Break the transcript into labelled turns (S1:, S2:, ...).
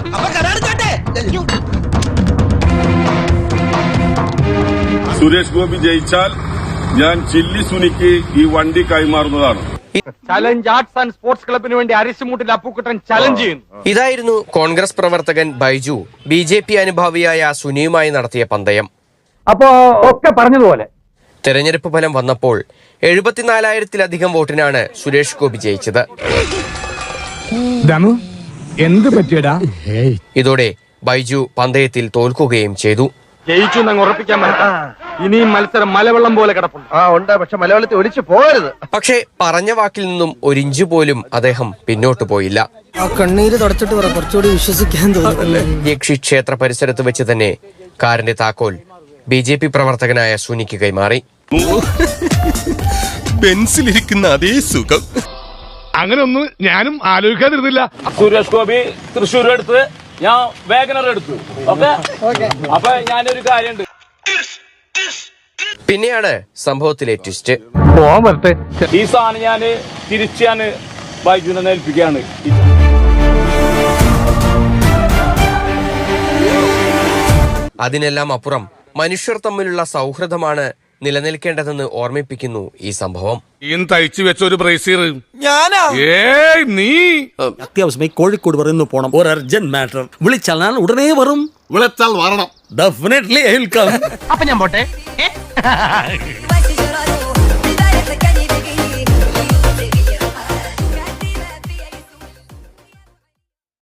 S1: സുരേഷ് ഗോപി ജയിച്ചാൽ ഞാൻ ചില്ലി സുനിക്ക് ഈ വണ്ടി കൈമാറുന്നതാണ്.
S2: ചലഞ്ച് ആർട്സ് ആൻഡ് സ്പോർട്സ് ക്ലബിന് വേണ്ടി അരിശുമുട്ടിൽ അപ്പുക്കുട്ടൻ ചലഞ്ച് ചെയ്യുന്നു.
S3: ഇതായിരുന്നു കോൺഗ്രസ് പ്രവർത്തകൻ ബൈജു BJP അനുഭാവിയായ സുനിയുമായി നടത്തിയ പന്തയം.
S2: അപ്പോ ഒക്കെ പറഞ്ഞതുപോലെ
S3: തെരഞ്ഞെടുപ്പ് ഫലം വന്നപ്പോൾ 74,000-ലധികം വോട്ടിനാണ് സുരേഷ് ഗോപി ജയിച്ചത്.
S2: എന്ത് പറ്റിയടാ?
S3: ഇതോടെ ബൈജു പന്തയത്തിൽ തോൽക്കുകയും ചെയ്തു.
S2: ജയിച്ചു എന്നങ്ങ് ഉറപ്പിക്കാൻ പറ്റാ. ഇനിയും മത്സരം മലവെള്ളം പോലെ കിടപ്പുണ്ട്.
S4: പക്ഷെ മലയാളത്തിൽ ഒലിച്ചു പോകരുത്.
S3: പക്ഷേ പറഞ്ഞ വാക്കിൽ നിന്നും ഒരിഞ്ചു പോലും അദ്ദേഹം പിന്നോട്ടു പോയില്ല.
S5: കണ്ണീര് തുടച്ചിട്ട് കുറച്ചുകൂടി വിശ്വസിക്കാൻ തോന്നുന്നു.
S3: യക്ഷി ക്ഷേത്ര പരിസരത്ത് വെച്ച് തന്നെ കാറിന്റെ താക്കോൽ BJP പ്രവർത്തകനായ സുനിക്ക് കൈമാറി.
S6: ബെൻസിലിരിക്കുന്ന അതേ സുഖം.
S7: അങ്ങനെ ഒന്നും ഞാനും ആലോചിക്കാതിരുന്നില്ല.
S8: സുരേഷ് ഗോപി തൃശ്ശൂർ എടുത്ത്, ഞാൻ വേഗനർ എടുത്തു. അപ്പൊ ഞാനൊരു കാര്യമുണ്ട്.
S3: പിന്നെയാണ് സംഭവത്തിലെ ട്വിസ്റ്റ്.
S8: ഈ സാധനം ഞാന് തിരിച്ചാണ് ബൈജുവിനെ ഏൽപ്പിക്കുകയാണ്.
S3: അതിനെല്ലാം അപ്പുറം മനുഷ്യർ തമ്മിലുള്ള സൗഹൃദമാണ് നിലനിൽക്കേണ്ടതെന്ന് ഓർമ്മിപ്പിക്കുന്നു ഈ സംഭവം.
S7: തയ്ച്ചു വെച്ച ഒരു ബ്രേസീർ നീ
S5: അത്യാവശ്യമായി കോഴിക്കോട് പറയുന്നു പോണം. ഒരു അർജന്റ് മാറ്റർ. വിളിച്ചാൽ ഞാൻ ഉടനെ വരും.
S6: വിളിച്ചാൽ വരണം.
S5: Definitely I will come.
S2: അപ്പൊ ഞാൻ പോട്ടെ.